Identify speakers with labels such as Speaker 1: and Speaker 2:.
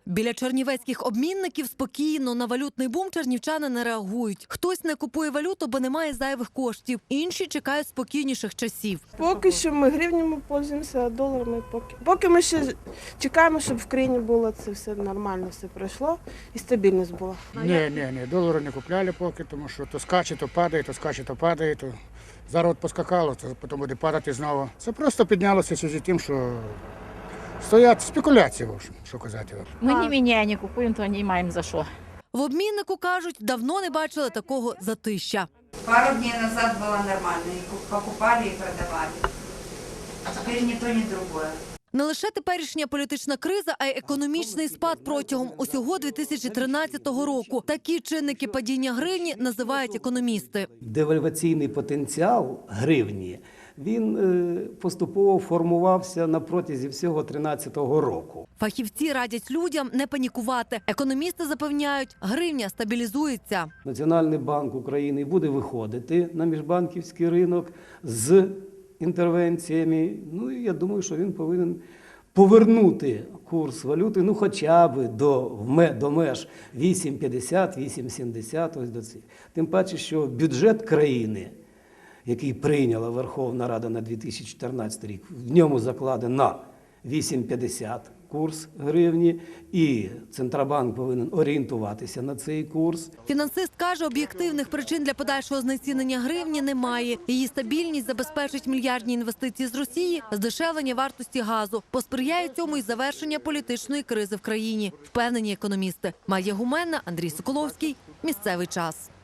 Speaker 1: Біля чернівецьких обмінників спокійно, на валютний бум чернівчани не реагують. Хтось не купує валюту, бо немає зайвих коштів. Інші чекають спокійніших часів.
Speaker 2: Поки що ми гривнями пользуємося, а доларами поки. Поки ми ще чекаємо, щоб в країні було це все нормально, все пройшло і стабільність була.
Speaker 3: Ні, долари не купляли поки, тому що то скаче, то падає, то скаче, то падає. То зараз от поскакало, то потім буде падати знову. Це просто піднялося в зв'язку з тим, що стоять спекуляції, в общем, що казати.
Speaker 4: Ми не міняємо, не купуємо, то не маємо за що.
Speaker 1: В обміннику, кажуть, давно не бачили такого затища.
Speaker 5: Пару дней назад было нормально, и покупали, и продавали. А теперь ни то, ни другое.
Speaker 1: Не лише теперішня політична криза, а й економічний спад протягом усього 2013 року. Такі чинники падіння гривні називають економісти.
Speaker 6: Девальваційний потенціал гривні, він поступово формувався на протязі всього 2013 року.
Speaker 1: Фахівці радять людям не панікувати. Економісти запевняють, гривня стабілізується.
Speaker 6: Національний банк України буде виходити на міжбанківський ринок з інтервенціями. Ну і я думаю, що він повинен повернути курс валюти, хоча б до меж 8,50, 8,70, ось до цих. Тим паче, що бюджет країни, який прийняла Верховна Рада на 2014 рік, в ньому закладено 8,50 курс гривні, і Центробанк повинен орієнтуватися на цей курс.
Speaker 1: Фінансист каже, об'єктивних причин для подальшого знецінення гривні немає. Її стабільність забезпечить мільярдні інвестиції з Росії, здешевлення вартості газу. Посприяє цьому і завершення політичної кризи в країні, впевнені економісти. Майя Гуменна, Андрій Соколовський. Місцевий час.